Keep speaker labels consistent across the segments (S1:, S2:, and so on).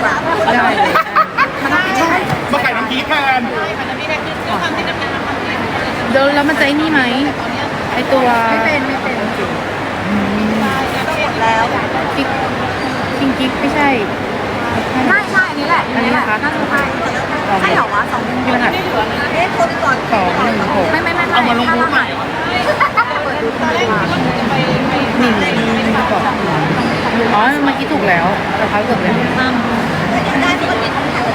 S1: กว่า
S2: ได้เลย
S3: มาขายน้ำพริกแทน
S2: เดี๋ยวแล้วมันจะไอ้นี่ไหมไอตัว
S1: ไม่เป็นหมดแล้ว
S2: กิ๊กคิงกิ๊กไม่ใช่
S1: ใช่อันนี้แหละน่าจะใช่ใช่เหรอวะสอง
S2: ที่มันหัด
S1: คนก่อน
S2: 216
S1: ไม่
S3: เอามาลงรูปใหม่
S1: เปิดดูตอนแรก
S2: นี่บอกอ๋อเมื่อกี้ถูกแล้วแต่เขาเกือบแล้ว
S1: ได้ที่มันเป็น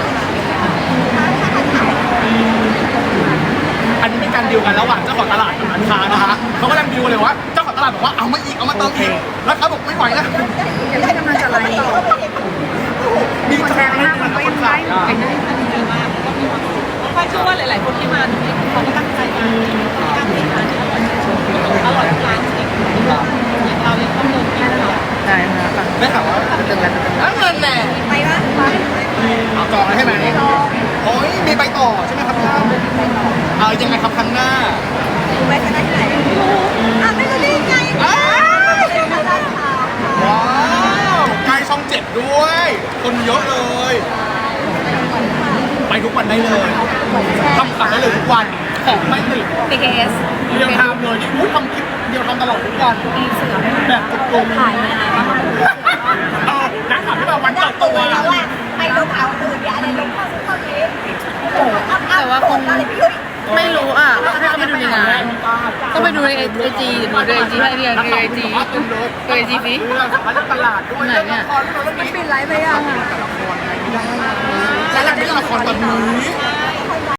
S3: อันนี้เป็นการดีลกันระหว่างเจ้าของตลาดกับร้านค้านะคะเขากำลังดีลเลยว่าเจ้าของตลาดบอกว่าเอามาอีกเอามาเติมอีกแล้วเขาบอกไม่ไหวแล้ว
S1: เดี๋ยวได้กำลังจะไล่
S3: มีแชร์ให้คนขาย
S4: ค่อยเชื่อว่าหลาย ๆ คนที่มาตรงนี้เขาก็ตั้งใจมาตั้งใจมาอร่อยทุกร้านจริงอย่างเรายังต้องเดินกินเลย
S2: ใช่ค่ะฝั่ง
S3: ได้ข่าวว่า
S2: ตึงแล้วตึงแล้ว
S3: เงินแน่
S1: ไปวะ
S3: เอาจองใช่ไหมโอ้ยมีไปต่อใช่ไหมครับเอายังไงครับครั้งหน้า
S1: ไปคณะที่ไหนไม่รู้ได้ไง
S3: ว้าวใกล้ช่อง7ด้วย คนเยอะเลย ไปทุกวันได้เลยทำขายได้เลยทุกวันของไม่ติด
S1: BKS
S3: เรียงทำเลยนี่ทำคลิปเดียวทำตลอดทุกวันแบบกลมๆ
S1: ถ่ายยังไงวะ
S3: นักข่าวที่มาวันเปิดตัว
S1: แล้วอ่ะไปลงเอาอื่นอย่าอะไรลงเข้าซึ่งเข้านี้
S2: แต่ว่าคง
S1: อะไรพี่ยุ้ย
S2: ไม่รู้อ่ะถ้าเขาไปดูในงานต้องไปดูในไอจีหรือดูในไอจีให้เนี่ยดูในไอจีดูไอจีสิ
S3: เรื่องสำคัญเรื่องตลาดด้วย
S2: ไหนเนี่ย
S3: ละครเรื่อง
S1: มัน
S3: นี้
S1: ปิดไลฟ์ไปอ่ะ
S3: แล้วเราเล่นละครตอนนี้
S4: ใช่